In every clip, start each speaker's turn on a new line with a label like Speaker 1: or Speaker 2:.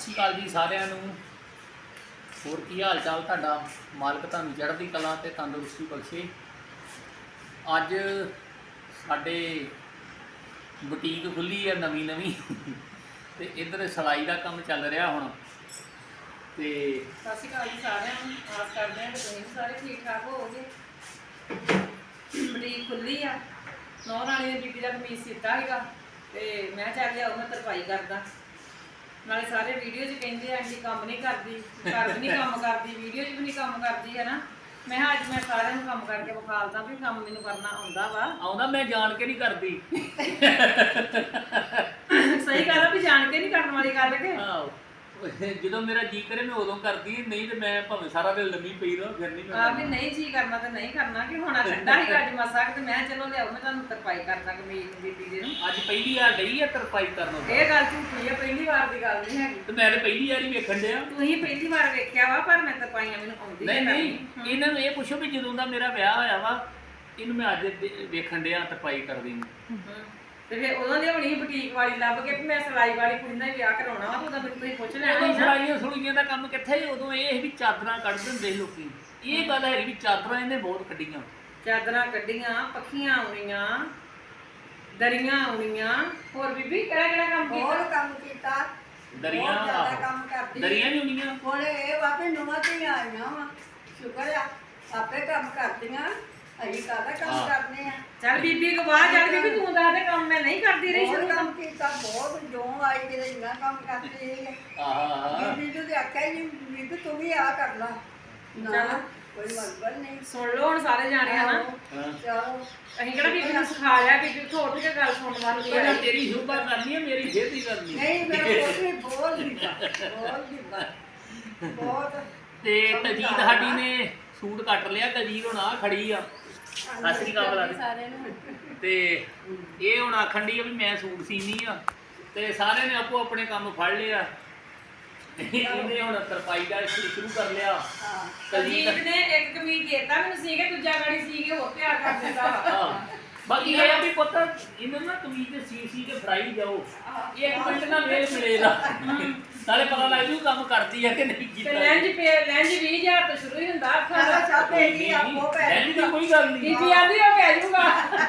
Speaker 1: ਸ਼੍ਰੀ ਅਕਾਲ ਜੀ ਸਾਰਿਆਂ ਨੂੰ। ਹੋਰ ਕੀ ਹਾਲ ਚਾਲ ਤੁਹਾਡਾ? ਮਾਲਕ ਤੁਹਾਨੂੰ ਚੜ੍ਹਦੀ ਕਲਾ ਤੇ ਤੰਦਰੁਸਤੀ ਬਖਸ਼ੇ। ਅੱਜ ਸਾਡੇ ਬੁਟੀਕ ਖੁੱਲੀ ਹੈ ਨਵੀਂ ਤੇ ਇੱਧਰ ਸਿਲਾਈ ਦਾ ਕੰਮ ਚੱਲ ਰਿਹਾ ਹੁਣ। ਤੇ
Speaker 2: ਸਤਿ ਸ਼੍ਰੀ ਅਕਾਲ ਜੀ ਸਾਰਿਆਂ ਨੂੰ। ਆਸ ਕਰਦੇ ਹਾਂ ਕਿ ਤੁਸੀਂ ਸਾਰੇ ਠੀਕ ਠਾਕ ਹੋਵੋਗੇ। ਬੁਟੀਕ ਖੁੱਲੀ ਆ, ਨੌ ਰਾਣੀ ਨੇ ਬੀਬੀ ਦਾ ਕਮੀਜ਼ ਸੀਤਾ ਸੀਗਾ ਤੇ ਮੈਂ ਚੱਲ ਲਿਆਓ, ਮੈਂ ਤਰਪਾਈ ਕਰਦਾ। ਨਾਲੇ ਸਾਰੇ ਵੀਡੀਓ 'ਚ ਕਹਿੰਦੇ ਆ ਆਂਟੀ ਕੰਮ ਨਹੀਂ ਕਰਦੀ, ਘਰ ਵੀ ਨਹੀਂ ਕੰਮ ਕਰਦੀ, ਵੀਡੀਓ 'ਚ ਵੀ ਨਹੀਂ ਕੰਮ ਕਰਦੀ, ਹੈ ਨਾ। ਮੈਂ ਕਿਹਾ ਅੱਜ ਮੈਂ ਸਾਰਿਆਂ ਨੂੰ ਕੰਮ ਕਰਕੇ ਵਿਖਾਲਦਾ ਵੀ ਕੰਮ ਮੈਨੂੰ ਕਰਨਾ ਆਉਂਦਾ ਵਾ।
Speaker 1: ਆਉਂਦਾ, ਮੈਂ ਜਾਣ ਕੇ ਨਹੀਂ ਕਰਦੀ।
Speaker 2: ਸਹੀ ਗੱਲ ਆ ਵੀ ਜਾਣ ਕੇ ਨਹੀਂ ਕਰਨ ਵਾਲੀ ਗੱਲ ਕਿ
Speaker 1: ਜਦੋਂ ਮੇਰਾ ਜੀ ਕਰੇ ਮੈਂ ਉਦੋਂ ਕਰਦੀ, ਨਹੀਂ ਤੇ ਮੈਂ ਭਾਵੇਂ ਸਾਰਾ ਦਿਨ ਲੰਮੀ ਪਈ ਰਹਾਂ ਫਿਰ ਨਹੀਂ ਮੈਂ
Speaker 2: ਆ ਵੀ ਨਹੀਂ ਜੀ ਕਰਨਾ ਤੇ ਨਹੀਂ ਕਰਨਾ ਕਿ ਹੁਣ ਠੰਡਾ ਹੀ ਅੱਜ ਮਸਾ ਤੇ ਮੈਂ ਚਲੋ ਲਿਆਓ, ਮੈਂ ਤੁਹਾਨੂੰ ਤਰਪਾਈ ਕਰਦਾ ਕਮੀਜ਼ ਨੂੰ ਬੀਬੀ ਦੇ ਨੂੰ।
Speaker 1: ਅੱਜ ਪਹਿਲੀ ਵਾਰ ਡਈ ਆ ਤਰਪਾਈ ਕਰਨ।
Speaker 2: ਇਹ ਗੱਲ ਝੂਠੀ ਆ, ਪਹਿਲੀ ਵਾਰ ਦੀ ਗੱਲ ਨਹੀਂ ਹੈਗੀ।
Speaker 1: ਤੇ ਮੈਂ ਤੇ ਪਹਿਲੀ ਵਾਰ ਹੀ ਵੇਖਣ ਡਿਆ।
Speaker 2: ਤੁਸੀਂ ਪਹਿਲੀ ਵਾਰ ਵੇਖਿਆ ਵਾ, ਪਰ ਮੈਂ ਤਰਪਾਈਆਂ ਮੈਨੂੰ ਆਉਂਦੀ
Speaker 1: ਨਹੀਂ ਇਹਨਾਂ ਨੂੰ ਇਹ ਪੁੱਛੋ ਵੀ ਜਦੋਂ ਦਾ ਮੇਰਾ ਵਿਆਹ ਹੋਇਆ ਵਾ ਇਹਨੂੰ ਮੈਂ ਅੱਜ ਵੇਖਣ ਡਿਆ ਤਰਪਾਈ ਕਰਦੀ ਨੂੰ।
Speaker 2: ਤੇ ਫਿਰ ਉਦੋਂ ਲਿਆਉਣੀ ਸੀ ਬੁਟੀਕ ਵਾਲੀ ਲੱਭ ਕੇ ਵੀ ਮੈਂ ਸਿਲਾਈ ਵਾਲੀ ਕੁੜੀ ਨਾਲ ਵਿਆਹ ਕਰਾਉਣਾ ਵਾ, ਤਾਂ ਮੈਨੂੰ ਤੁਸੀਂ ਪੁੱਛ ਲੈਣਾ ਸੀ ਨਾ।
Speaker 1: ਸਿਲਾਈਆਂ ਸੁਲੀਆਂ ਦਾ ਕੰਮ ਕਿੱਥੇ ਸੀ ਉਦੋਂ? ਇਹ ਵੀ ਚਾਦਰਾਂ ਕੱਢ ਦਿੰਦੇ ਸੀ ਲੋਕੀ। ਇਹ ਗੱਲ ਹੈਗੀ ਵੀ ਚਾਦਰਾਂ ਇਹਨੇ ਬਹੁਤ ਕੱਢੀਆਂ।
Speaker 2: ਚਾਦਰਾਂ ਕੱਢੀਆਂ, ਪੱਖੀਆਂ ਆਉਣੀਆਂ, ਦਰੀਆਂ ਆਉਣੀਆਂ। ਹੋਰ ਬੀਬੀ ਕਿਹੜਾ ਕਿਹੜਾ ਕੰਮ ਕੀਤਾ?
Speaker 3: ਬਹੁਤ ਕੰਮ ਕੀਤਾ,
Speaker 1: ਦਰੀਆਂ
Speaker 3: ਬਹੁਤ ਜ਼ਿਆਦਾ ਕੰਮ ਕਰਦੀ।
Speaker 1: ਦਰੀਆਂ ਵੀ ਹੁੰਦੀਆਂ।
Speaker 3: ਹੁਣ ਇਹ ਵਾਪੇ ਨੂੰਹਾਂ ਤੇ ਆਈਆਂ ਵਾ, ਸ਼ੁਕਰ ਆ ਆਪੇ ਕੰਮ ਕਰਦੀਆਂ, ਅਸੀਂ ਕਾਹਦਾ ਕੰਮ ਕਰਨੇ ਆ।
Speaker 2: ਚੱਲ ਬੀਬੀ ਕੋ ਬਾਹਰ ਚੱਲ ਬੀਬੀ, ਤੂੰ ਦੱਸ ਦੇ ਕੰਮ ਮੈਂ ਨਹੀਂ ਕਰਦੀ ਰਹੀ ਸ਼ੁਰੂ
Speaker 3: ਬਹੁਤ ਕੰਮ ਕੀਤਾ, ਬਹੁਤ ਜੋ ਆਈ ਕਿਤੇ ਇੰਨਾ ਕੰਮ ਕਰਦੀ ਹੈ। ਬੀਬੀ ਨੂੰ ਤੇ ਆਖਿਆ ਹੀ ਬੀਬੀ ਤੂੰ ਵੀ ਆ ਕਰ ਲਾ।
Speaker 2: ਚੱਲ
Speaker 3: ਕੋਈ ਮਤਲਬ ਨਹੀਂ।
Speaker 2: ਸੁਣ ਲਓ ਹੁਣ ਸਾਰੇ ਜਾਣੇ ਹਨਾ।
Speaker 3: ਚਲੋ
Speaker 2: ਅਸੀਂ ਕਿਹੜਾ ਬੀਬੀ ਨੂੰ ਸਿਖਾ ਲਿਆ, ਬੀਬੀ ਉੱਠ ਉੱਠ ਕੇ ਗੱਲ ਸੁਣਨ ਵਾਲੀ
Speaker 1: ਪਹਿਲਾਂ
Speaker 2: ਹੈ।
Speaker 1: ਤੇਰੀ ਸ਼ੁਭਾ ਕਰਨੀ ਹੈ, ਮੇਰੀ ਖੇਤੀ ਕਰਨੀ।
Speaker 3: ਨਹੀਂ ਮੇਰਾ ਕੋਈ ਬੋਲ ਦਿੱਤਾ, ਬੋਲ ਦਿੱਤਾ ਬਹੁਤ।
Speaker 1: ਤੇ ਤਜੀਦ ਸਾਡੀ ਨੇ ਸੂਟ ਕੱਟ ਲਿਆ। ਤਜੀਦ ਹੁਣ ਆ ਖੜੀ ਆ। ਸਤਿ ਸ੍ਰੀ ਅਕਾਲ
Speaker 2: ਸਾਰਿਆਂ ਨੂੰ।
Speaker 1: ਤੇ ਇਹ ਹੁਣ ਆਖਣ ਡਈ ਆ ਵੀ ਮੈਂ ਸੂਟ ਸੀਨੀ ਆ ਤੇ ਸਾਰਿਆਂ ਨੇ ਆਪੋ ਆਪਣੇ ਕੰਮ ਫੜ ਲਿਆ। ਇਹਨੇ ਹੁਣ ਤਰਪਾਈ ਦਾ ਸ਼ੁਰੂ ਕਰ ਲਿਆ।
Speaker 2: ਕਲਜੀਤ ਨੇ ਇੱਕ ਕਮੀਜ਼ ਦੇਤਾ ਮੈਨੂੰ ਸੀ ਕੇ, ਦੂਜਾ ਗਾੜੀ ਸੀ ਕੇ ਹੋਰ ਤਿਆਰ ਕਰ ਦਿੰਦਾ।
Speaker 1: ਬਾਕੀ ਇਹ ਆ ਵੀ ਪੁੱਤ ਇਹਨਾਂ ਨੂੰ ਨਾ ਕਮੀਜ਼ ਤੇ ਸੀ ਕੇ ਫਰਾਈ ਜਾਓ, ਇੱਕ ਮਿੰਟ ਨਾਲ ਮੇਲ ਮਿਲੇਗਾ, ਨਾਲੇ ਪਤਾ ਲੱਗ ਜੂ ਕੰਮ ਕਰਦੀ ਆ ਕਿ ਨਹੀਂ
Speaker 2: ਤੇ
Speaker 1: ਕੀਤਾ।
Speaker 2: ਲੈਂਜ 20,000 ਤੋਂ ਸ਼ੁਰੂ ਹੀ ਹੁੰਦਾ ਅੱਖਾਂ ਦਾ।
Speaker 3: ਚਾਹਤੇ ਨਹੀਂ ਆਪੋ ਪੈ
Speaker 1: ਲੈਂਜ ਦੀ ਕੋਈ ਗੱਲ ਨਹੀਂ।
Speaker 2: ਬੀਬੀ ਆਂਦੀ ਉਹ ਪੈ ਜਾਊਗਾ।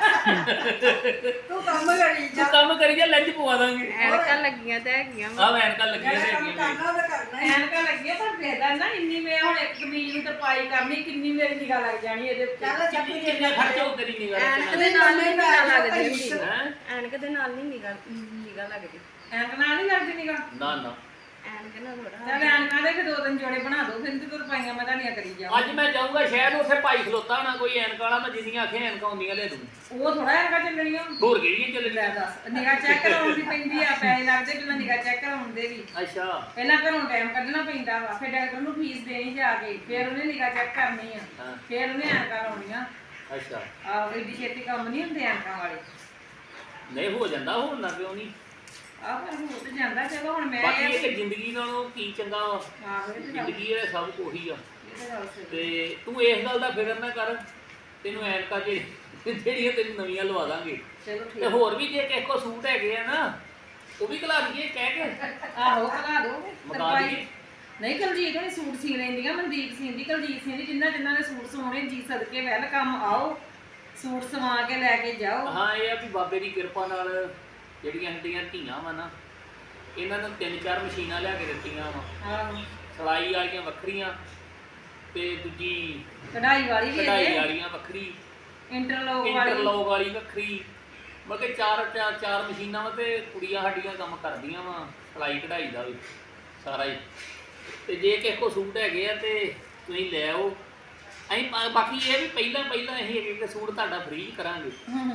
Speaker 3: ਤੂੰ ਕੰਮ ਕਰੀ ਜਾ,
Speaker 1: ਤੂੰ ਕੰਮ ਕਰੀ ਜਾ, ਲੈਂਜ ਪਵਾ ਦਾਂਗੇ।
Speaker 4: ਐਨਕਾਂ ਲੱਗੀਆਂ ਤਾਂ ਹੈਗੀਆਂ।
Speaker 1: ਆਹ ਐਨਕਾਂ ਲੱਗੀਆਂ
Speaker 3: ਜਿਹੜਾ ਕੰਮ
Speaker 1: ਹੈਗੀਆਂ।
Speaker 3: ਕਰਨਾ ਉਹ ਤਾਂ ਕਰਨਾ ਹੀ।
Speaker 2: ਐਨਕਾਂ ਲੱਗੀਆਂ ਪਰ ਫੇਦਾ ਨਾ ਇੰਨੀ, ਮੈਂ ਹੁਣ ਇੱਕ ਕਮੀਜ਼ ਨੂੰ ਤਰਪਾਈ ਕਰਨੀ, ਕਿੰਨੀ ਮੇਰੀ ਨਿਗਾਹ ਲੱਗ ਜਾਣੀ ਇਹਦੇ ਉੱਤੇ।
Speaker 3: ਚੱਲ ਚੱਪੀ ਦੇ
Speaker 1: ਕਿੰਨਾ ਖਰਚਾ ਹੋ ਤੇਰੀ ਨਿਗਾਹ
Speaker 4: ਐਨਕ ਦੇ ਨਾਲ ਨਹੀਂ ਨਿਗਾਹ ਲੱਗਦੀ ਹੁੰਦੀ।
Speaker 1: ਹੈ?
Speaker 4: ਐਨਕ ਦੇ ਨਾਲ ਨਹੀਂ ਨਿਗਾਹ ਲੱਗਦੀ।
Speaker 2: ਐਨਕ ਨਾਲ ਨਹੀਂ ਲੱਗਦੀ ਨਿਗਾਹ।
Speaker 1: ਨਾ ਨਾ
Speaker 4: ਐਨਕ ਨਾਲ ਥੋੜਾ।
Speaker 2: ਚੱਲ ਐਨਕਾਂ ਦੇ ਫਿਰ 2-3 ਜੋੜੇ ਬਣਾ ਦਿਓ, ਫਿਰ ਤੇ ਤਰਪਾਈਆਂ ਮੈਂ ਤੁਹਾਡੀਆਂ ਕਰੀ ਜਾਵਾਂ।
Speaker 1: ਅੱਜ ਮੈਂ ਜਾਊਂਗਾ ਸ਼ਾਇਦ, ਉੱਥੇ ਭਾਈ ਖਲੋਤਾ ਹੋਣਾ ਕੋਈ ਐਨਕ ਵਾਲਾ, ਮੈਂ ਜਿੰਨੀਆਂ ਆਖੇ ਐਨਕਾਂ ਹੁੰਦੀਆਂ ਲੈ ਦੂੰ।
Speaker 2: ਉਹ ਥੋੜਾ ਐਨਕਾਂ ਚੱਲਣੀਆਂ।
Speaker 1: ਹੋਰ ਕਿਹੜੀਆਂ
Speaker 2: ਲੈ
Speaker 1: ਚੱਲਣੀਆਂ?
Speaker 2: ਦੱਸ, ਨਿਗਾਹ ਚੈੱਕ ਕਰਾਉਣ ਦੀ ਪੈਂਦੀ ਆ, ਪੈਸੇ ਲੱਗਦੇ ਪਹਿਲਾਂ ਨਿਗਾਹ ਚੈੱਕ ਕਰਾਉਣ ਦੇ ਵੀ।
Speaker 1: ਅੱਛਾ
Speaker 2: ਪਹਿਲਾਂ ਘਰੋਂ ਟਾਈਮ ਕੱਢਣਾ ਪੈਂਦਾ ਵਾ, ਫਿਰ ਡਾਕਟਰ ਨੂੰ ਫੀਸ ਦੇਣੀ ਜਾ ਕੇ, ਫਿਰ ਉਹਨੇ ਨਿਗਾਹ ਚੈੱਕ ਕਰਨੀ ਆ,
Speaker 1: ਹਾਂ।
Speaker 2: ਫਿਰ ਉਹਨੇ ਐਨਕਾਂ ਲਾਉਣੀਆਂ।
Speaker 1: ਅੱਛਾ
Speaker 2: ਆਹ ਏਡੀ ਛੇਤੀ ਕੰਮ ਨਹੀਂ ਹੁੰਦੇ ਐਨਕਾਂ ਵਾਲੇ।
Speaker 1: ਨਹੀਂ ਹੋ ਜਾਂਦਾ, ਹੁਣ ਨਾ ਕਿਉਂ ਨਹੀਂ?
Speaker 2: ਆਹ ਫਿਰ ਹੋ ਤੇ ਜਾਂਦਾ। ਚਲੋ ਹੁਣ ਮੈਂ
Speaker 1: ਬਾਕੀ ਇਹ ਕਿ ਜ਼ਿੰਦਗੀ ਨਾਲੋਂ ਕੀ ਚੰਗਾ ਵਾ,
Speaker 2: ਆਹੋ ਇਹ ਤੇ ਗੱਲ-
Speaker 1: ਜ਼ਿੰਦਗੀ ਇਹ ਸਭ ਕੁਛ ਆ।
Speaker 2: ਇਹ ਤੇ ਗੱਲ ਸਹੀ।
Speaker 1: ਤੇ ਤੂੰ ਇਸ ਗੱਲ ਦਾ ਫਿਕਰ ਨਾ ਕਰ, ਤੈਨੂੰ ਐਨਕਾਂ ਜਿਹੜੀਆਂ ਤੈਨੂੰ ਨਵੀਆਂ ਲਵਾ ਦਾਂਗੇ।
Speaker 2: ਚਲੋ
Speaker 1: ਤੇ
Speaker 2: ਠੀਕ।
Speaker 1: ਹੋਰ ਵੀ ਜੇ ਕਿਸੇ ਕੋ ਸੂਟ ਹੈਗੇ ਆ ਨਾ, ਉਹ ਵੀ ਘਲਾ ਦਈਏ ਕਹਿ ਕੇ।
Speaker 2: ਆਹੋ ਕਰਾ ਦੋ
Speaker 1: ਮੰਗਾ
Speaker 2: ਤਰਪਾਈ।
Speaker 1: ਦਈਏ।
Speaker 2: ਨਹੀਂ ਕਲਜੀਤ ਹੋਣੀ ਸੂਟ ਸੀ ਲੈਂਦੀਆਂ, ਮਨਦੀਪ ਸਿੰਦੀ, ਕਲਜੀਤ ਸਿੰਦੀ, ਜਿਨ੍ਹਾਂ ਨੇ ਸੂਟ ਸਵਾਉਣੇ ਜੀ ਸਦਕੇ ਵੈਲਕਮ ਆਓ, ਸੂਟ ਸਵਾ ਕੇ ਲੈ ਕੇ ਜਾਓ।
Speaker 1: ਹਾਂ ਇਹ ਆ ਵੀ ਬਾਬੇ ਦੀ ਕਿਰਪਾ ਨਾਲ ਜਿਹੜੀਆਂ ਸਾਡੀਆਂ ਧੀਆਂ ਵਾ ਨਾ, ਇਹਨਾਂ ਨੂੰ 3-4 ਮਸ਼ੀਨਾਂ ਲਿਆ ਕੇ ਦਿੱਤੀਆਂ ਵਾ।
Speaker 2: ਆਹੋ
Speaker 1: ਸਿਲਾਈ ਵਾਲੀਆਂ ਵੱਖਰੀਆਂ ਤੇ ਦੂਜੀ
Speaker 2: ਕਢਾਈ ਵਾਲੀ ਵੀ
Speaker 1: ਕਢਾਈ
Speaker 2: ਹੈ,
Speaker 1: ਵਾਲੀਆਂ ਵੱਖਰੀ,
Speaker 2: ਇੰਟਰਲੋਕ ਵਾਲੀ।
Speaker 1: ਇੰਟਰਲੌਕ ਵਾਲੀ ਵੱਖਰੀ। ਮਤਲਬ ਕਿ ਚਾਰ ਮਸ਼ੀਨਾਂ ਵਾ ਤੇ ਕੁੜੀਆਂ ਸਾਡੀਆਂ ਕੰਮ ਕਰਦੀਆਂ ਵਾ ਸਿਲਾਈ ਕਢਾਈ ਦਾ ਵੀ ਸਾਰਾ ਹੀ। ਤੇ ਜੇ ਕਿਸੇ ਕੋ ਸੂਟ ਹੈਗੇ ਆ ਤੇ ਤੁਸੀਂ ਲੈ ਆਓ। ਅਸੀਂ ਬਾਕੀ ਇਹ ਵੀ ਪਹਿਲਾਂ ਅਸੀਂ ਇੱਕ ਸੂਟ ਤੁਹਾਡਾ ਫ੍ਰੀ ਕਰਾਂਗੇ।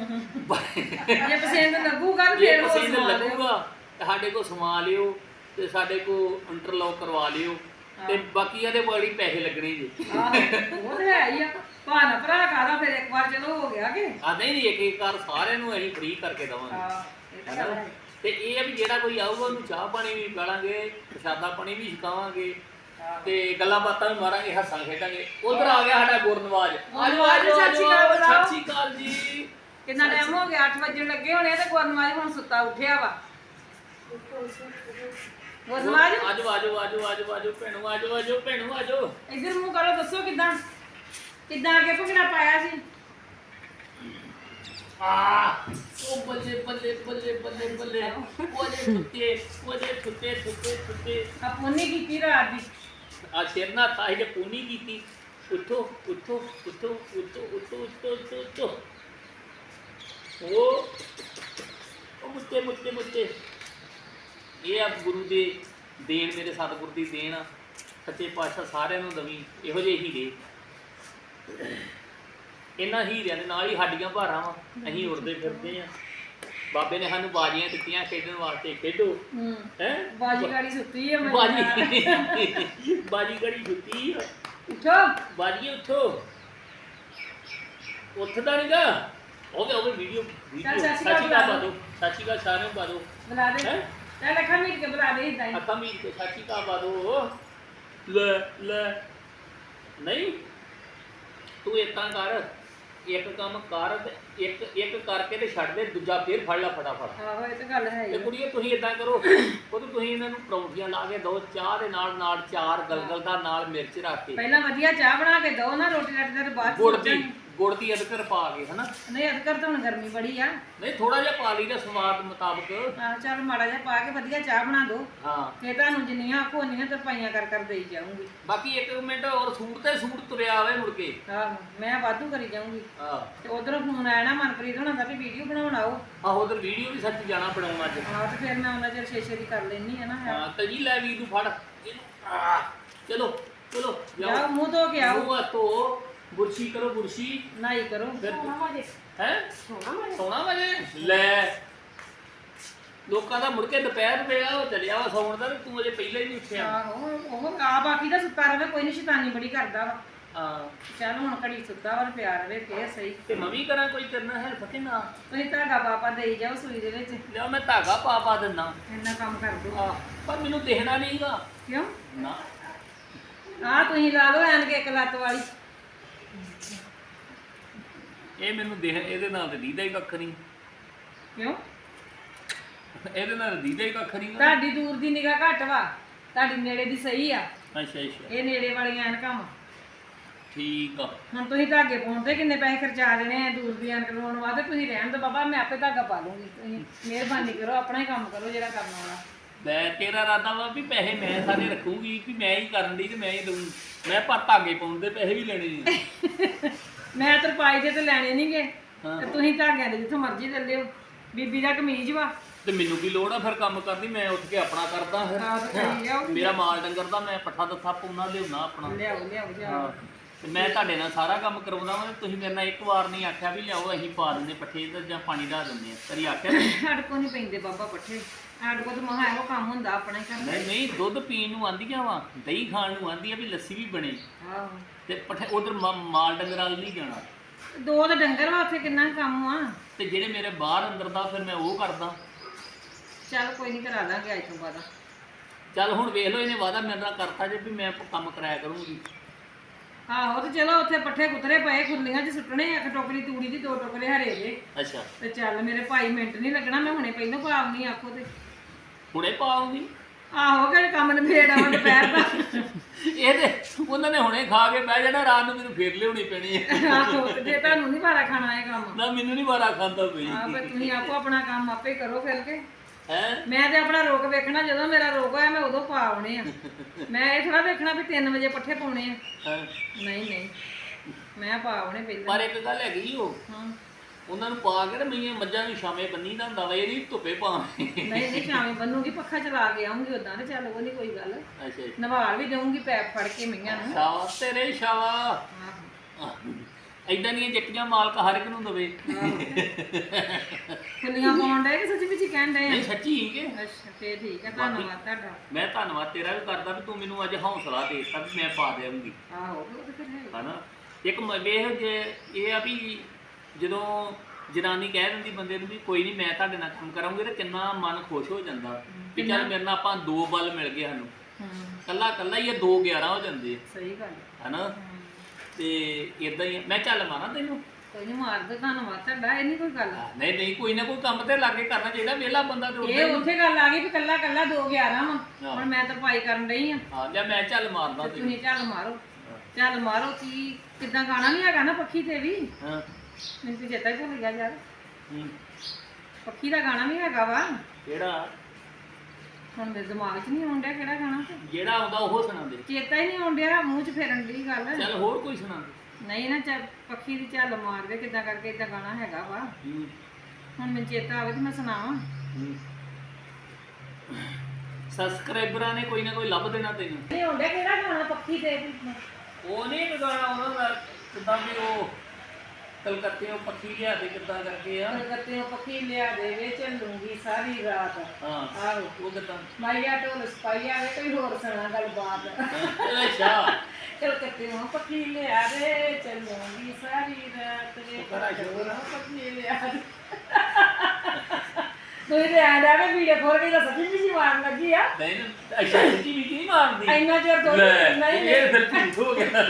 Speaker 2: ਜੇ ਪਸੰਦ ਲੱਗੂਗਾ ਤਾਂ
Speaker 1: ਜੇ
Speaker 2: ਫਿਰ ਉਹ
Speaker 1: ਪਸੰਦ
Speaker 2: ਸਵਾ ਲਿਓ।
Speaker 1: ਲੱਗੂਗਾ ਤੇ ਸਾਡੇ ਕੋਲ ਸਮਾ ਲਿਓ ਤੇ ਸਾਡੇ ਕੋਲ ਇੰਟਰਲੌਕ ਕਰਵਾ ਲਿਓ। ਤੇ ਬਾਕੀ ਇਹਦੇ ਬੜੀ ਪੈਸੇ ਲੱਗਣੇ ਜੀ।
Speaker 2: ਆਹੋ ਉਹ ਤੇ ਹੈ ਹੀ ਆ। ਭਾਣਾ ਭਰਾ ਕਾਦਾ ਫਿਰ ਇੱਕ ਵਾਰ ਚਲੋ ਹੋ ਗਿਆ ਕਿ
Speaker 1: ਆ ਨਹੀਂ ਇੱਕ ਵਾਰ ਸਾਰਿਆਂ ਨੂੰ ਅਸੀਂ ਫ੍ਰੀ ਕਰਕੇ ਦੇਵਾਂਗੇ।
Speaker 2: ਇਹ ਤਾਂ ਗੱਲ ਹੈ।
Speaker 1: ਤੇ ਇਹ ਆ ਵੀ ਜਿਹੜਾ ਕੋਈ ਆਊਗਾ ਉਹਨੂੰ ਚਾਹ ਪਾਣੀ ਵੀ ਪਿਲਾਵਾਂਗੇ, ਪ੍ਰਸ਼ਾਦਾ ਪਾਣੀ ਵੀ ਛਕਾਵਾਂਗੇ ਤੇ ਗੱਲਾਂ ਬਾਤਾਂ ਵੀ ਮਾਰਾਂਗੇ, ਹੱਸਾਂ ਖੇਡਾਂਗੇ। ਉਧਰ ਆ ਗਿਆ ਸਾਡਾ ਗੁਰਨਵਾਜ। ਆਜੋ ਆਜੋ
Speaker 2: ਸਤਿ ਸ਼੍ਰੀ ਅਕਾਲ ਬੁਲਾਓ।
Speaker 1: ਸਤਿ ਸ਼੍ਰੀ ਅਕਾਲ ਜੀ।
Speaker 2: ਕਿੰਨਾ ਟਾਈਮ ਹੋ ਗਿਆ? 8 ਵਜੇ ਲੱਗੇ ਹੋਣੇ ਤੇ ਗੁਰਨਵਾਜ ਹੁਣ ਸੁੱਤਾ ਉੱਠਿਆ ਵਾ। ਹੋਰ ਸਮਾਜ
Speaker 1: ਆਜੋ ਆਜੋ ਆਜੋ ਆਜੋ ਆਜੋ ਭੈਣੋ ਆਜੋ ਆਜੋ ਭੈਣੋ ਆਜੋ।
Speaker 2: ਇੱਧਰ ਮੂੰਹ ਕਰੋ, ਦੱਸੋ ਕਿੱਦਾਂ ਅੱਗੇ ਭੁਗਣਾ ਪਾਇਆ ਸੀ।
Speaker 1: ਉਹ ਬੱਲੇ ਬੱਲੇ ਬੱਲੇ ਬੱਲੇ ਬੱਲੇ ਉਹਦੇ ਕੁੱਤੇ
Speaker 2: ਆ ਪੋਨੀ ਕੀਤੀ ਰਾਤ ਦੀ।
Speaker 1: ਆ ਸਿਰ ਨਾ ਥਾਈ ਦੇ ਪੂਨੀ ਕੀਤੀ। ਉੱਠੋ ਉੱਠੋ ਉੱਠੋ ਉੱਠੋ ਉੱਠੋ ਉੱਠੋ ਉੱਠੋ ਉੱਠੋ। ਉਹ ਮੁੱਤੇ ਮੁੱਤੇ ਮੁੱਤੇ। ਇਹ ਆ ਗੁਰੂ ਦੇ ਦੇਣ, ਮੇਰੇ ਸਤਿਗੁਰ ਦੀ ਦੇਣ ਆ। ਸੱਚੇ ਪਾਤਸ਼ਾਹ ਸਾਰਿਆਂ ਨੂੰ ਦਵੀਂ ਇਹੋ ਜਿਹੇ ਹੀਰੇ। ਇਹਨਾਂ ਹੀਰਿਆਂ ਦੇ ਨਾਲ ਹੀ ਸਾਡੀਆਂ ਭਾਰਾਂ ਵਾ, ਅਸੀਂ ਉੜਦੇ ਫਿਰਦੇ ਆ। ਬਾਬੇ ਨੇ ਸਾਨੂੰ ਬਾਜੀਆਂ ਦਿੱਤੀਆਂ ਖੇਡਣ ਵਾਸਤੇ, ਖੇਡੋ ਹੈ।
Speaker 2: ਬਾਜੀ ਗਾੜੀ ਸੁੱਤੀ ਹੈ ਮੈਂ।
Speaker 1: ਬਾਜੀ ਗੜੀ ਸੁੱਤੀ ਆ।
Speaker 2: ਉੱਠੋ
Speaker 1: ਬਾਜੀਏ ਉੱਠੋ। ਉੱਠਦਾ ਨੀਗਾ। ਹੋਵੇ ਵੀਡੀਓ
Speaker 2: ਚੱਲ ਸਤਿ ਸ਼੍ਰੀ
Speaker 1: ਸਾਚੀ
Speaker 2: ਅਕਾਲ
Speaker 1: ਪਾ ਦੋ, ਸਾਚੀ ਕਾ ਸਾਰਿਆਂ ਨੂੰ ਪਾ ਦੋ।
Speaker 2: ਬੁਲਾ ਦੇ
Speaker 1: ਹੈਂ?
Speaker 2: ਚੱਲ ਅੱਖਾਂ ਮੀਟ ਕੇ ਬੁਲਾ ਦੇ ਇਦਾਂ ਹੀ।
Speaker 1: ਅੱਖਾਂ ਮੀਟ ਕੇ ਸਾਚੀ ਕਾ ਪਾ ਦੋ। ਲੈ ਲੈ ਨਹੀਂ ਤੂੰ ਇਦਾਂ ਕਰ, ਇੱਕ ਕੰਮ ਕਰ ਤੇ ਇੱਕ ਕਰਕੇ ਤੇ ਛੱਡ ਦੇ, ਦੂਜਾ ਫੇਰ ਫੜ ਲੈ ਫਟਾਫਟ।
Speaker 2: ਆਹੋ ਇਹ ਤਾਂ ਗੱਲ ਹੈ
Speaker 1: ਤੇ
Speaker 2: ਹੀ।
Speaker 1: ਕੁੜੀਏ ਤੁਸੀਂ ਇਦਾਂ ਕਰੋ, ਤੁਸੀਂ ਇਹਨਾਂ ਨੂੰ ਪਰੌਂਠੀਆਂ ਲਾ ਕੇ ਦਿਓ, ਚਾਹ ਦੇ ਨਾਲ ਨਾਲ ਚਾਰ ਗਲਗਲ ਦਾ ਨਾਲ ਮਿਰਚ ਰੱਖ ਕੇ,
Speaker 2: ਪਹਿਲਾਂ ਵਧੀਆ ਚਾਹ ਬਣਾ ਕੇ ਦਿਓ ਨਾ, ਰੋਟੀ ਰਾਟੀ ਦਾ ਬਾਅਦ
Speaker 1: ਗੁੜ ਦੀ ਅਦਰਕ ਪਾ ਕੇ, ਹਨਾ।
Speaker 2: ਨਹੀਂ ਅਦਕਰ ਤਾਂ ਹੁਣ ਗਰਮੀ ਬੜੀ ਆ।
Speaker 1: ਨਹੀਂ ਥੋੜਾ ਜਿਹਾ ਪਾ ਲਈਦਾ ਸਵਾਦ ਮੁਤਾਬਕ।
Speaker 2: ਆਹ ਚੱਲ ਮਾੜਾ ਜਿਹਾ ਪਾ ਕੇ ਵਧੀਆ ਚਾਹ ਬਣਾ ਦਿਓ।
Speaker 1: ਹਾਂ
Speaker 2: ਫੇਰ ਤੁਹਾਨੂੰ ਜਿੰਨੀਆਂ ਆਖੋ ਉਨੀਆਂ ਤਰਪਾਈਆਂ ਕਰ ਦੇਈ ਜਾਊਂਗੀ।
Speaker 1: ਬਾਕੀ ਇੱਕ ਮਿੰਟ ਹੋਰ, ਸੂਟ ਤੇ ਸੂਟ ਤੁਰਿਆ ਆਵੇ ਮੁੜ ਕੇ।
Speaker 2: ਆਹੋ ਮੈਂ ਵਾਧੂ ਕਰੀ ਜਾਊਂਗੀ।
Speaker 1: ਹਾਂ
Speaker 2: ਤੇ ਉਧਰੋਂ ਫੋਨ ਆਇਆ ਨਾ ਮਨਪ੍ਰੀਤ ਹੋਣਾ ਦਾ ਵੀ ਵੀਡੀਓ ਬਣਾਉਣ ਆਓ।
Speaker 1: ਆਹੋ ਉਧਰ ਵੀਡੀਓ ਵੀ ਸੱਚ ਜਾਣਾ ਬਣਾਉਣ ਅੱਜ।
Speaker 2: ਆਹ ਤੇ ਫਿਰ ਮੈਂ ਉਹਨਾਂ ਚਿਰ ਛੇ ਦੀ ਕਰ ਲੈਣੀ ਹੈ ਨਾ।
Speaker 1: ਹਾਂ ਤਜੀ ਲੈ ਵੀਰ ਨੂੰ ਫੜ ਇਹਨੂੰ। ਚਲੋ ਚਲੋ
Speaker 2: ਜਾਓ ਮੂੰਹ ਧੋ ਕੇ ਆਓ।
Speaker 1: ਮੂੰਹ ਹੱਥ ਧੋ, ਬੁਰਸ਼ੀ ਕਰੋ ਬੁਰਸ਼ੀ।
Speaker 2: ਨਾਈ ਕਰੋ।
Speaker 1: ਫਿਰ ਹੈ
Speaker 4: ਸੋਹਣਾ
Speaker 1: ਸੋਣਾ ਵਜੇ ਲੈ ਲੋਕਾਂ ਦਾ ਮੁੜ ਕੇ ਦੁਪਹਿਰ ਵੇਲਾ ਉਹ ਚੱਲਿਆ ਵਾ ਸੌਣ ਦਾ, ਤੇ ਤੂੰ ਅਜੇ ਪਹਿਲਾਂ ਹੀ ਨਹੀਂ ਉੱਠਿਆ।
Speaker 2: ਆਹੋ ਉਹ ਆ ਬਾਕੀ ਦਾ ਸੁੱਤਾ ਰਵੇ, ਕੋਈ ਨਹੀਂ, ਸ਼ੈਤਾਨੀ ਬੜੀ ਕਰਦਾ ਵਾ।
Speaker 1: ਹਾਂ
Speaker 2: ਚੱਲ ਹੁਣ ਘੜੀ ਸੁੱਤਾ ਵਾ, ਪਿਆ ਰਵੇ ਫੇਰ ਸਹੀ।
Speaker 1: ਤੇ ਮੈਂ ਵੀ ਕਰਾਂ ਕੋਈ ਕਰਨਾ ਹੈਲਪ ਕਿ ਨਾ?
Speaker 2: ਤੁਸੀਂ ਧਾਗਾ ਪਾਪਾ ਦੇਈ ਜਾਓ ਸੂਈ ਦੇ ਵਿੱਚ,
Speaker 1: ਲਿਆ ਮੈਂ ਧਾਗਾ ਪਾ ਦਿੰਦਾ।
Speaker 2: ਇੰਨਾ ਕੰਮ ਕਰ ਦੋ।
Speaker 1: ਆ ਪਰ ਮੈਨੂੰ ਦੇਖਣਾ ਨਹੀਂਗਾ
Speaker 2: ਕਿਉਂ?
Speaker 1: ਨਾ।
Speaker 2: ਆਹ ਤੁਸੀਂ ਲਾ ਲਓ ਐਨਕ ਇੱਕ ਲੱਤ ਵਾਲੀ।
Speaker 1: ਇਹ ਮੈਨੂੰ ਦੇਖ, ਇਹਦੇ ਨਾਲ ਤੇ ਦੀਦਾ ਹੀ ਕੱਖ ਨਹੀਂ।
Speaker 2: ਕਿਉਂ?
Speaker 1: ਇਹਦੇ ਨਾਲ ਦੀਦਾ ਹੀ ਕੱਖ ਨਹੀਂ।
Speaker 2: ਤੁਹਾਡੀ ਦੂਰ ਦੀ ਨਿਗਾਹ ਘੱਟ ਵਾ, ਤੁਹਾਡੀ ਨੇੜੇ ਦੀ ਸਹੀ ਆ।
Speaker 1: ਅੱਛਾ ਅੱਛਾ
Speaker 2: ਇਹ ਨੇੜੇ ਵਾਲੀਆਂ ਐਨਕਾਂ ਵਾ।
Speaker 1: ਠੀਕ ਆ।
Speaker 2: ਹੁਣ ਤੁਸੀਂ ਧਾਗੇ ਪਾਉਣ ਤੇ ਕਿੰਨੇ ਪੈਸੇ ਖਰਚਾ ਦੇਣੇ ਆ ਦੂਰ ਦੀ ਐਨਕ ਲਵਾਉਣ ਵਾਸਤੇ? ਤੁਸੀਂ ਰਹਿਣ ਦਿਓ ਬਾਬਾ, ਮੈਂ ਆਪੇ ਧਾਗਾ ਪਾ ਲੂੰਗੀ। ਤੁਸੀਂ ਮਿਹਰਬਾਨੀ ਕਰੋ, ਆਪਣਾ ਹੀ ਕੰਮ ਕਰੋ ਜਿਹੜਾ ਕਰਨ ਵਾਲਾ।
Speaker 1: ਮੈਂ ਤੇਰਾ ਇਰਾਦਾ ਵਾ ਵੀ ਪੈਸੇ ਮੈਂ ਸਾਰੇ ਰੱਖੂਗੀ, ਵੀ ਮੈਂ ਹੀ ਕਰਨ ਦੀ ਤੇ ਮੈਂ ਹੀ ਦਊਂ। ਮੈਂ ਪਰ ਧਾਗੇ ਪਾਉਣ ਦੇ ਪੈਸੇ ਵੀ ਲੈਣੇ ਜੀ।
Speaker 2: ਮੈਂ ਤਰਪਾਈ ਦੇ ਤੇ ਲੈਣੇ ਨਹੀਂਗੇ,
Speaker 1: ਹਾਂ।
Speaker 2: ਤੇ ਤੁਸੀਂ ਧਾਗਿਆਂ ਦੇ ਜਿੱਥੋਂ ਮਰਜ਼ੀ ਲੈ ਲਿਓ। ਬੀਬੀ ਦਾ ਕਮੀਜ਼ ਵਾ।
Speaker 1: ਤੇ ਮੈਨੂੰ ਕੀ ਲੋੜ ਆ ਫਿਰ ਕੰਮ ਕਰਦੀ? ਮੈਂ ਉੱਠ ਕੇ ਆਪਣਾ ਕਰਦਾ
Speaker 2: ਆਹ ਤਾਂ ਸਹੀ ਆ, ਉਹ
Speaker 1: ਫਿਰ।
Speaker 2: ਵੀ
Speaker 1: ਮੇਰਾ ਮਾਲ ਡੰਗਰ ਦਾ ਮੈਂ ਪੱਠਾ ਦੱਥਾ ਪਾਉਣਾ ਲਿਆਉਣਾ ਆਪਣਾ।
Speaker 2: ਲਿਆਓ ਲਿਆਓ ਜਾ।
Speaker 1: ਹਾਂ ਤੇ ਮੈਂ ਤੁਹਾਡੇ ਨਾਲ ਸਾਰਾ ਕੰਮ ਕਰਾਉਂਦਾ ਵਾਂ। ਤੁਸੀਂ ਮੇਰੇ ਨਾਲ ਇੱਕ ਵਾਰ ਨਹੀਂ ਆਖਿਆ ਵੀ ਲਿਆਓ ਅਸੀਂ ਪਾ ਦਿੰਦੇ ਪੱਠੇ ਤੇ ਜਾਂ ਪਾਣੀ ਢਾ ਦਿੰਦੇ ਆ, ਕਦੀ ਆਖਿਆ ਨੀ?
Speaker 2: ਸਾਡੇ ਕੋਲ ਨਹੀਂ ਪੈਂਦੇ ਬਾਬਾ ਪੱਠੇ, ਸਾਡੇ ਕੋਲ ਤਾਂ ਮਹਾ ਇਹੋ ਕੰਮ ਹੁੰਦਾ ਆਪਣਾ ਹੀ ਕਰਨਾ।
Speaker 1: ਨਹੀਂ ਨਹੀਂ ਦੁੱਧ ਪੀਣ ਨੂੰ ਆਂਦੀਆਂ ਵਾ, ਦਹੀਂ ਖਾਣ ਨੂੰ ਆਂਦੀ ਆ, ਵੀ ਲੱਸੀ ਵੀ ਬਣੇ।
Speaker 2: ਆਹੋ
Speaker 1: ਤੇ ਪੱਠੇ ਉਧਰ ਮਾਲ ਡੰਗਰ ਵਾਲ ਨਹੀਂ ਜਾਣਾ।
Speaker 2: ਦੋ ਤਾਂ ਡੰਗਰ ਵਾ, ਉੱਥੇ ਕਿੰਨਾ ਕੰਮ ਆ।
Speaker 1: ਤੇ ਜਿਹੜੇ ਮੇਰੇ ਬਾਹਰ ਅੰਦਰ ਦਾ ਫਿਰ ਮੈਂ ਉਹ ਕਰਦਾ।
Speaker 2: ਚੱਲ ਕੋਈ ਨਹੀਂ, ਕਰਾ ਦਾਂਗੇ ਅੱਜ ਤੋਂ ਬਾਅਦ।
Speaker 1: ਚੱਲ ਹੁਣ ਵੇਖ ਲਓ, ਇਹਨੇ ਵਾਅਦਾ ਮੇਰੇ ਨਾਲ ਕਰਤਾ ਜੇ ਵੀ ਮੈਂ ਕੰਮ ਕਰਾਇਆ ਕਰੂੰਗੀ।
Speaker 2: ਆਹੋ ਤੇ ਚਲੋ ਉੱਥੇ ਪੱਠੇ ਕੁਤਰੇ ਪਏ ਖੁਰਲੀਆਂ 'ਚ ਸੁੱਟਣੇ, ਇੱਕ ਟੋਕਰੀ ਤੂੜੀ ਦੀ, ਦੋ ਟੋਕਰੇ ਹਰੇ ਦੇ।
Speaker 1: ਅੱਛਾ
Speaker 2: ਤੇ ਚੱਲ ਮੇਰੇ ਭਾਈ ਮਿੰਟ ਨਹੀਂ ਲੱਗਣਾ, ਮੈਂ ਹੁਣੇ ਪਹਿਲਾਂ ਪਾਉਣੀ ਆਖੋ ਤੇ।
Speaker 1: ਹੁਣੇ ਪਾਉਂਗੀ।
Speaker 2: ਆਹੋ ਕਿ ਕੰਮ ਨਿਬੇੜ ਆਵਾਂ ਦੁਪਹਿਰ ਦਾ।
Speaker 1: ਇਹ ਤੇ ਉਹਨਾਂ ਨੇ ਹੁਣੇ ਖਾ ਕੇ ਬਹਿ ਜਾਣਾ, ਰਾਤ ਨੂੰ ਮੈਨੂੰ ਫੇਰ ਲਿਆਉਣੀ ਪੈਣੀ ਹੈ।
Speaker 2: ਆਹੋ ਤੇ ਜੇ ਤੁਹਾਨੂੰ ਨਹੀਂ ਵਾਰਾ ਖਾਣਾ ਇਹ ਕੰਮ,
Speaker 1: ਨਾ ਮੈਨੂੰ ਨਹੀਂ ਵਾਰਾ ਖਾਂਦਾ ਪਈ
Speaker 2: ਆਹ ਫਿਰ ਤੁਸੀਂ ਆਪੋ ਆਪਣਾ ਕੰਮ ਆਪੇ ਕਰੋ ਫਿਰ ਕੇ।
Speaker 1: ਹੈ।
Speaker 2: ਮੈਂ ਤੇ ਆਪਣਾ ਰੋਕ ਵੇਖਣਾ, ਜਦੋਂ ਮੇਰਾ ਰੋਕ ਹੋਇਆ ਮੈਂ ਉਦੋਂ ਪਾ ਆਉਣੇ ਆ। ਮੈਂ ਇਹ ਥੋੜਾ ਵੇਖਣਾ ਵੀ 3 ਵਜੇ ਪੱਠੇ ਪਾਉਣੇ ਆ। ਨਹੀਂ ਨਹੀਂ, ਮੈਂ ਪਾ ਆਉਣੇ ਪਹਿਲਾਂ।
Speaker 1: ਪਰ ਇੱਕ ਗੱਲ ਹੈਗੀ ਉਹ,
Speaker 2: ਹਾਂ
Speaker 1: ਉਹਨਾਂ ਨੂੰ ਪਾ ਕੇ ਤੇ ਮਈਆਂ ਮੱਝਾਂ ਨੂੰ ਸ਼ਾਮੇ ਬੰਨੀ ਦਾ ਹੁੰਦਾ ਵਾ, ਇਹ ਨਹੀਂ ਧੁੱਪੇ ਪਾਉਣੇ।
Speaker 2: ਨਹੀਂ ਨਹੀਂ, ਸ਼ਾਮੇ ਬੰਨੂਗੀ, ਪੱਖਾ ਚਲਾ ਕੇ ਆਉਂਗੀ ਉਦਾਂ ਤੇ ਚੱਲ ਉਹ ਨਹੀਂ ਕੋਈ ਗੱਲ।
Speaker 1: ਅੱਛਾ
Speaker 2: ਨਵਾਲ ਵੀ ਦੇਵਾਂਗੀ ਪੈਪ ਫੜ ਕੇ ਮਈਆਂ ਨੂੰ।
Speaker 1: ਸ਼ਾਬਾਸ਼ ਤੇਰੇ ਸ਼ਾਬਾਸ਼।
Speaker 2: ਆਹੋ
Speaker 1: ਏਦਾਂ ਦੀਆਂ ਜੱਟੀਆਂ ਮਾਲਕ ਹਰ ਇੱਕ ਨੂੰ ਦਵੇ।
Speaker 2: ਫੁੱਲੀਆਂ ਪਾਉਣ ਡਏ ਕਿ ਸੱਚੀ ਵਿੱਚ ਕਹਿਣ ਡਏ ਆ?
Speaker 1: ਨਹੀਂ ਸੱਚੀ ਹੀ ਕਿ
Speaker 2: ਅੱਛਾ ਫੇਰ ਠੀਕ ਹੈ, ਧੰਨਵਾਦ ਤੁਹਾਡਾ।
Speaker 1: ਮੈਂ ਧੰਨਵਾਦ ਤੇਰਾ ਵੀ ਕਰਦਾ ਵੀ ਤੂੰ ਮੈਨੂੰ ਅੱਜ ਹੌਸਲਾ ਦੇ ਦਿੱਤਾ ਵੀ ਮੈਂ ਪਾ ਦੇਵਾਂਗੀ,
Speaker 2: ਆਹੋ ਉਹ ਤੇ ਫਿਰ ਹੈ।
Speaker 1: ਹਨਾ। ਇੱਕ ਵੇਖ ਜੇ ਇਹ ਆ ਵੀ ਜਦੋਂ ਜਨਾਨੀ ਕਹਿ ਦਿੰਦੀ ਬੰਦੇ ਨੂੰ ਵੀ ਕੋਈ ਨਹੀਂ ਮੈਂ ਤੁਹਾਡੇ ਨਾਲ ਕੰਮ ਕਰਾਂਗੀ, ਤੇ ਕਿੰਨਾ ਮਨ ਖੁਸ਼ ਹੋ ਜਾਂਦਾ ਵੀ ਚੱਲ ਮੇਰੇ ਨਾਲ ਆਪਾਂ 2 ਬਲ ਮਿਲ ਗਏ ਸਾਨੂੰ। ਕੱਲਾ ਕੱਲਾ ਹੀ ਇਹ 2 11 ਹੋ ਜਾਂਦੇ
Speaker 2: ਸਹੀ ਗੱਲ
Speaker 1: ਹਨਾ। ਤੇ ਇਦਾਂ ਹੀ ਮੈਂ ਚੱਲ ਮਾਰਾਂ ਤੈਨੂੰ।
Speaker 2: ਕੋਈ ਨਹੀਂ ਮਾਰ ਦੋ ਧੰਨਵਾਦ ਤੁਹਾਡਾ, ਇਹ ਨਹੀਂ ਕੋਈ ਗੱਲ।
Speaker 1: ਨਹੀਂ ਨਹੀਂ, ਕੋਈ ਨਾ ਕੋਈ ਕੰਮ ਤੇ ਲਾਗੇ ਕਰਨਾ ਚਾਹੀਦਾ, ਵਿਹਲਾ ਬੰਦਾ ਤੇ ਉੱਦਾਂ
Speaker 2: ਇਹ
Speaker 1: ਹੀ।
Speaker 2: ਉੱਥੇ ਗੱਲ ਆ ਗਈ ਵੀ ਕੱਲਾ ਕੱਲਾ 2/11 ਵਾ, ਹੁਣ ਮੈਂ ਤਰਪਾਈ ਕਰਨ ਡਈ ਆ
Speaker 1: ਹਾਂ ਜਾਂ ਮੈਂ ਚੱਲ ਮਾਰਦਾ
Speaker 2: ਤੇ ਤੁਸੀਂ ਚੱਲ ਮਾਰੋ, ਚੱਲ ਮਾਰੋ। ਕੀ ਕਿੱਦਾਂ ਗਾਣਾ ਵੀ ਹੈਗਾ ਨਾ ਪੱਖੀ ਤੇ ਵੀ,
Speaker 1: ਹਾਂ
Speaker 2: ਮੈਨੂੰ ਤੇ ਚੇਤਾ ਹੀ ਭੁੱਲ ਗਿਆ ਯਾਰ,
Speaker 1: ਹੂੰ।
Speaker 2: ਪੱਖੀ ਦਾ ਗਾਣਾ ਵੀ ਹੈਗਾ ਵਾ,
Speaker 1: ਕਿਹੜਾ?
Speaker 2: ਹੁਣ ਮੇਰੇ ਦਿਮਾਗ 'ਚ ਨਹੀਂ ਆਉਣ ਡਿਆ ਕਿਹੜਾ ਗਾਣਾ,
Speaker 1: ਜਿਹੜਾ ਆਉਂਦਾ ਉਹ ਸੁਣਾ ਦੇ।
Speaker 2: ਚੇਤਾ ਹੀ ਨਹੀਂ ਆਉਣ ਡਿਆ, ਮੂੰਹ 'ਚ ਫੇਰਨ ਦੀ ਗੱਲ।
Speaker 1: ਚੱਲ ਹੋਰ ਕੋਈ ਸੁਣਾ ਦੇ।
Speaker 2: ਨਹੀਂ ਨਾ ਚੱਲ ਪੱਖੀ ਦੀ ਝੱਲ ਮਾਰਦੇ ਕਿੱਦਾਂ ਕਰਕੇ, ਏਦਾਂ ਗਾਣਾ ਹੈਗਾ ਵਾ,
Speaker 1: ਹੂੰ
Speaker 2: ਹੁਣ ਮੈਨੂੰ ਚੇਤਾ ਆਵੇ ਤੇ ਮੈਂ ਸੁਣਾਵਾਂ।
Speaker 1: ਹੂੰ। ਸਬਸਕ੍ਰਾਈਬਰਾਂ ਨੇ ਕੋਈ ਨਾ ਕੋਈ ਲੱਭ ਦੇਣਾ ਤੈਨੂੰ।
Speaker 2: ਨਹੀਂ ਆਉਣ ਡਿਆ ਕਿਹੜਾ ਗਾਣਾ ਪੱਖੀ ਤੇ,
Speaker 1: ਉਹ ਨਹੀਂ ਗਾਣਾ ਉਹਨਾਂ ਦਾ, ਕਿੱਦਾਂ ਵੀ ਉਹ ਕਲਕੱਤੇ ਉਹ ਪੱਖੀ ਲਿਆ ਦੇ ਕਿੱਦਾਂ ਕਰਕੇ ਆ।
Speaker 2: ਕਲਕੱਤੇ ਪੱਖੀ ਲਿਆ ਦੇਵੇ ਚੱਲੂਗੀ ਸਾਰੀ ਰਾਤ।
Speaker 1: ਹਾਂ
Speaker 2: ਆਹੋ
Speaker 1: ਉਹ ਕਿੱਦਾਂ?
Speaker 2: ਮਾਈਆ ਢੋਲ ਸਪਾਈਆ ਵੇ ਕੋਈ ਹੋਰ ਸੁਣਾ ਗੱਲਬਾਤ।
Speaker 1: ਅੱਛਾ
Speaker 2: ਕਲਕੱਤੇ ਪੱਖੀ ਲਿਆ ਦੇ ਚੱਲੂਗੀ ਸਾਰੀ ਰਾਤ ਵੇ ਪੱਖੀ ਲਿਆ ਦੇ। ਤੁਸੀਂ ਤੇ ਆ ਜਾਵੇ ਵੀਡੀਓ ਖੋਲ ਕੇ ਤਾਂ ਸੱਚੀ ਜੀ ਮਾਰਨ ਲੱਗੀ ਆ।
Speaker 1: ਨਹੀਂ ਅੱਛਾ ਸੱਚੀ ਵੀ ਨਹੀਂ ਮਾਰਦੀ।
Speaker 2: ਇੰਨਾ ਚਿਰ ਤੋਂ ਨਹੀਂ
Speaker 1: ਇਹ ਫਿਰ ਝੂਠ ਹੋ ਗਿਆ।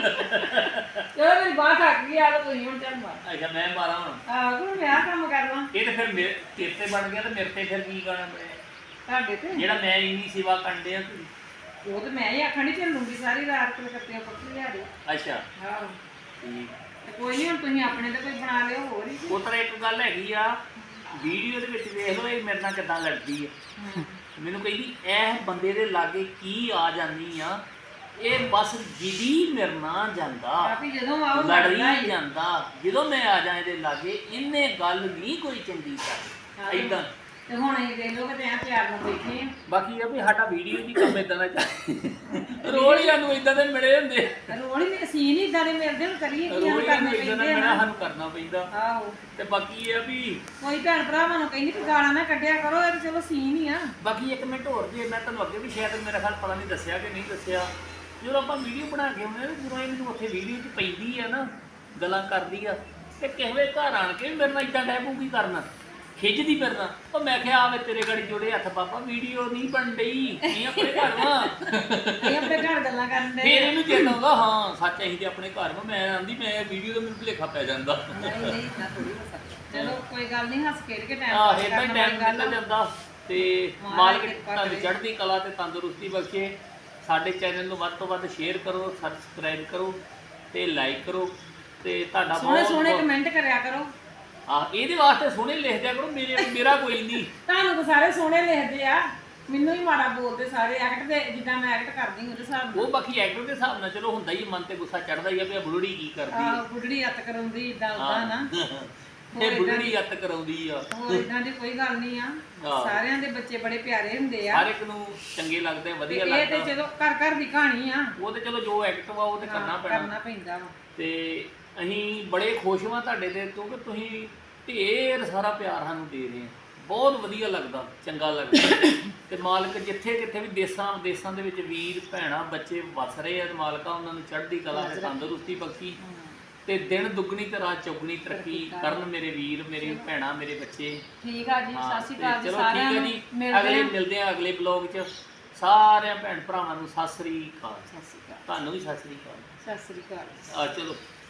Speaker 2: ਚਲੋ ਮੇਰੀ ਬਾਹ ਥੱਕ ਗਈ ਆ ਤਾਂ ਤੁਸੀਂ ਹੁਣ ਚੱਲ ਮਾਰ।
Speaker 1: ਅੱਛਾ ਮੈਂ ਮਾਰਾਂ ਹੁਣ।
Speaker 2: ਆਹ ਕੋਈ ਮੈਂ ਆਹ ਕੰਮ ਕਰਨਾ
Speaker 1: ਇਹ ਤਾਂ ਫਿਰ ਮੇਰੇ ਤੇਰੇ ਤੇ ਬਣ ਗਿਆ ਤੇ ਮੇਰੇ ਤੇ ਫਿਰ ਕੀ ਗਾਣਾ ਬਣਿਆ?
Speaker 2: ਤੁਹਾਡੇ ਤੇ
Speaker 1: ਜਿਹੜਾ ਮੈਂ ਇੰਨੀ ਸੇਵਾ ਕਰਦੇ ਆ ਤੁਸੀਂ।
Speaker 2: ਉਹ ਤੇ ਮੈਂ ਹੀ ਆਖਣ ਨਹੀਂ ਚੱਲੂਗੀ ਸਾਰੀ ਰਾਤ ਕਲਕੱਤੇ ਪੱਖੀ ਲਿਆ ਦੇ।
Speaker 1: ਅੱਛਾ
Speaker 2: ਆਹੋ
Speaker 1: ਠੀਕ।
Speaker 2: ਤੇ ਕੋਈ ਨਹੀਂ ਹੁਣ ਤੁਸੀਂ ਆਪਣੇ ਤੇ ਕੋਈ ਬਣਾ ਲਿਓ ਹੋਰ ਹੀ।
Speaker 1: ਉਹ ਤਰ੍ਹਾਂ ਇੱਕ ਗੱਲ ਹੈਗੀ ਆ, ਵੀਡੀਓ ਦੇ ਵਿੱਚ ਵੇਖ ਲਓ ਇਹ ਮੇਰੇ ਨਾਲ ਕਿੱਦਾਂ ਲੜਦੀ ਆ। ਮੈਨੂੰ ਕਹਿੰਦੀ ਇਹ ਬੰਦੇ ਦੇ ਲਾਗੇ ਕੀ ਆ ਜਾਂਦੀ ਆ, ਇਹ ਬਸ ਜਿੱਦੀ ਮੇਰੇ ਨਾਲ ਜਾਂਦਾ,
Speaker 2: ਕਾਫੀ ਜਦੋਂ ਆਓ
Speaker 1: ਲੜੀ ਜਾਂਦਾ। ਜਦੋਂ ਮੈਂ ਆ ਜਾਂ ਇਹਦੇ ਲਾਗੇ ਇਹਨੇ ਗੱਲ ਨਹੀਂ ਕੋਈ ਚੰਗੀ ਕਰ ਏਦਾਂ।
Speaker 2: ਤੇ ਹੁਣ ਇਹ ਦੇਖ ਲਓ ਕਿ ਐ ਪਿਆਰ ਨਾਲ ਬੈਠੇ ਆ।
Speaker 1: ਬਾਕੀ ਇਹ ਵੀ ਸਾਡਾ ਵੀਡੀਓ ਦੀ ਕੰਮ ਇਦਾਂ ਦਾ ਚੱਲ ਰੋਜ਼ ਹੀ ਸਾਨੂੰ ਇਦਾਂ ਦੇ ਮਿਲੇ ਹੁੰਦੇ।
Speaker 2: ਰੋਣੀ ਵੀ ਸੀਨ ਹੀ ਇਦਾਂ ਦੇ ਮਿਲਦੇ ਹੁਣ ਕਰੀਏ ਕੀ
Speaker 1: ਰੋਜ਼
Speaker 2: ਕਰਨੇ
Speaker 1: ਹੀ ਇਦਾਂ ਦਾ
Speaker 2: ਪੈਂਦੇ
Speaker 1: ਮਿਲਣਾ
Speaker 2: ਆ।
Speaker 1: ਸਾਨੂੰ ਕਰਨਾ ਪੈਂਦਾ।
Speaker 2: ਆਹੋ
Speaker 1: ਤੇ ਬਾਕੀ ਇਹ ਆ ਵੀ
Speaker 2: ਕੋਈ ਭੈਣ ਭਰਾਵਾਂ ਨੂੰ ਕਹਿੰਦੀ ਕਿ ਗਾਲਾਂ ਨਾ ਕੱਢਿਆ ਕਰੋ, ਇਹ ਤਾਂ ਚਲੋ ਸੀਨ ਹੀ ਆ।
Speaker 1: ਬਾਕੀ ਇੱਕ ਮਿੰਟ ਹੋਰ ਜੇ ਮੈਂ ਤੁਹਾਨੂੰ ਅੱਗੇ ਵੀ ਸ਼ਾਇਦ ਮੇਰਾ ਖਿਆਲ ਪਤਾ ਨਹੀਂ ਦੱਸਿਆ ਕਿ ਨਹੀਂ ਦੱਸਿਆ, ਜਦੋਂ ਆਪਾਂ ਵੀਡੀਓ ਬਣਾ ਕੇ ਆਉਂਦੇ ਆ ਜਦੋਂ ਇਹ ਮੈਨੂੰ ਉੱਥੇ ਵੀਡੀਓ 'ਚ ਪੈਂਦੀ ਆ ਨਾ, ਗੱਲਾਂ ਕਰਦੀ ਆ ਤੇ ਕਿਸੇ ਵੇ ਘਰ ਆਣ ਕੇ ਮੇਰੇ ਨਾਲ ਇਦਾਂ ਡੈ ਪਊ ਕੀ ਕਰਨਾ, ਖਿੱਚਦੀ ਫਿਰਨਾ। ਉਹ ਮੈਂ ਕਿਹਾ ਆਵੇ ਤੇਰੇ ਗਾੜੀ ਜੋੜੇ ਹੱਥ ਬਾਬਾ, ਵੀਡੀਓ ਨਹੀਂ ਬਣ ਡਈ, ਇਹ ਆਪਣੇ ਘਰ ਵਾ।
Speaker 2: ਇਹ ਆਪਣੇ ਘਰ ਗੱਲਾਂ ਕਰਨ ਦੇ।
Speaker 1: ਫਿਰ ਇਹਨੂੰ ਚੇਤਾ ਆਉਂਦਾ ਹਾਂ ਸੱਚ ਅਸੀਂ ਤੇ ਆਪਣੇ ਘਰ ਵਾ। ਮੈਂ ਆਂਦੀ ਮੈਂ ਵੀਡੀਓ ਦਾ ਮੈਨੂੰ ਭੁਲੇਖਾ ਪੈ ਜਾਂਦਾ।
Speaker 2: ਨਹੀਂ ਨਹੀਂ ਇਦਾਂ ਥੋੜੀ ਹੋ ਸਕਦਾ। ਚਲੋ ਕੋਈ ਗੱਲ ਨਹੀਂ, ਹੱਸ ਖੇਡ ਕੇ ਟਾਈਮ
Speaker 1: ਆਹ ਇਦਾਂ ਹੀ ਟਾਈਮ ਨਿਕਲ ਜਾਂਦਾ। ਤੇ ਮਾਲਕ ਤੁਹਾਨੂੰ ਚੜ੍ਹਦੀ ਕਲਾ ਤੇ ਤੰਦਰੁਸਤੀ ਬਖਸ਼ੇ। ਸਾਡੇ ਚੈਨਲ ਨੂੰ ਵੱਧ ਤੋਂ ਵੱਧ ਸ਼ੇਅਰ ਕਰੋ, ਸਬਸਕ੍ਰਾਈਬ ਕਰੋ ਤੇ ਲਾਈਕ ਕਰੋ ਤੇ ਤੁਹਾਡਾ
Speaker 2: ਸੋਹਣੇ
Speaker 1: ਬਹੁਤ
Speaker 2: ਸੋਹਣੇ ਕਮੈਂਟ ਕਰਿਆ ਕਰੋ।
Speaker 1: ਇਹਦੇ ਵਾਸਤੇ ਸੋਹਣੇ ਲਿਖ ਦਿਆ ਕਰੋ, ਮੇਰਾ ਕੋਈ ਨਹੀਂ।
Speaker 2: ਤੁਹਾਨੂੰ ਤਾਂ ਸਾਰੇ ਸੋਹਣੇ ਲਿਖਦੇ ਆ, ਮੈਨੂੰ ਹੀ ਮਾੜਾ ਬੋਲਦੇ ਸਾਰੇ। ਐਕਟ ਦੇ ਜਿੱਦਾਂ ਮੈਂ ਐਕਟ ਕਰਦੀ ਉਹਦੇ ਹਿਸਾਬ ਨਾਲ।
Speaker 1: ਉਹ ਬਾਕੀ ਐਕਟਰ ਦੇ ਹਿਸਾਬ ਨਾਲ ਚਲੋ ਹੁੰਦਾ ਹੀ, ਮਨ ਤੇ ਗੁੱਸਾ ਚੜਦਾ ਹੀ ਆ ਵੀ ਇਹ ਬੁਲੜੀ ਕੀ ਕਰਦੀ
Speaker 2: ਆਹ ਬੁੱਢੜੀ ਹੱਥ ਕਰਾਉਂਦੀ ਇਦਾਂ ਉਦਾਂ ਨਾ।
Speaker 1: ਇਹ ਬੁਲੜੀ ਅੱਤ ਕਰਾਉਂਦੀ ਆ।
Speaker 2: ਹੋਰ ਇਦਾਂ ਦੀ ਕੋਈ ਗੱਲ ਨਹੀਂ ਆ।
Speaker 1: ਆਹ।
Speaker 2: ਸਾਰਿਆਂ ਦੇ ਬੱਚੇ ਬੜੇ ਪਿਆਰੇ ਹੁੰਦੇ ਆ।
Speaker 1: ਹਰ ਇੱਕ ਨੂੰ ਚੰਗੇ ਲੱਗਦੇ, ਵਧੀਆ
Speaker 2: ਇਹ ਤੇ
Speaker 1: ਲੱਗਦਾ।
Speaker 2: ਚਲੋ ਘਰ ਘਰ ਦੀ ਕਹਾਣੀ ਆ,
Speaker 1: ਉਹ ਤੇ ਚਲੋ ਜੋ ਐਕਟ ਵਾ ਉਹ ਤੇ ਕਰਨਾ ਪੈਣਾ।
Speaker 2: ਕਰਨਾ ਪੈਂਦਾ ਵਾ।
Speaker 1: ਤੇ ਅਸੀਂ ਬੜੇ ਖੁਸ਼ ਹਾਂ ਤੁਹਾਡੇ ਤੇ, ਕਿਉਂਕਿ ਤੁਸੀਂ ਢੇਰ ਸਾਰਾ ਪਿਆਰ ਸਾਨੂੰ ਦੇ ਰਹੇ ਆ। ਬਹੁਤ ਵਧੀਆ ਲੱਗਦਾ, ਚੰਗਾ ਲੱਗਦਾ। ਤੇ ਮਾਲਕ ਜਿੱਥੇ ਕਿੱਥੇ ਵੀ ਦੇਸਾਂ ਵਿਦੇਸਾਂ ਦੇ ਵਿੱਚ ਵੀਰ ਭੈਣਾਂ ਬੱਚੇ ਵਸ ਰਹੇ ਆ, ਮਾਲਕਾ ਉਹਨਾਂ ਨੂੰ ਚੜ੍ਹਦੀ ਕਲਾ ਤੇ ਤੰਦਰੁਸਤੀ ਬਖਸ਼ੀ ਤੇ ਦਿਨ ਦੁੱਗਣੀ ਤੇ ਰਾਤ ਚੌਗਣੀ ਤਰੱਕੀ ਕਰਨ ਮੇਰੇ ਵੀਰ, ਮੇਰੀ ਭੈਣਾਂ, ਮੇਰੇ ਬੱਚੇ।
Speaker 2: ਠੀਕ ਆ ਜੀ,
Speaker 1: ਹਾਂ,
Speaker 2: ਸਤਿ ਸ਼੍ਰੀ
Speaker 1: ਤੇ
Speaker 2: ਅਕਾਲ ਜੀ
Speaker 1: ਚਲੋ
Speaker 2: ਸਾਰਿਆਂ
Speaker 1: ਠੀਕ ਹੈ
Speaker 2: ਨੂੰ।
Speaker 1: ਜੀ, ਮਿਲਦੇ ਆ ਅਗਲੇ ਬਲੌਗ 'ਚ। ਸਾਰਿਆਂ ਭੈਣ ਭਰਾਵਾਂ ਨੂੰ ਸਤਿ ਸ੍ਰੀ ਅਕਾਲ।
Speaker 2: ਸਤਿ ਸ਼੍ਰੀ ਅਕਾਲ।
Speaker 1: ਤੁਹਾਨੂੰ ਵੀ ਸਤਿ ਸ੍ਰੀ ਅਕਾਲ।
Speaker 2: ਸਤਿ ਸ਼੍ਰੀ ਅਕਾਲ।
Speaker 1: ਚਲੋ।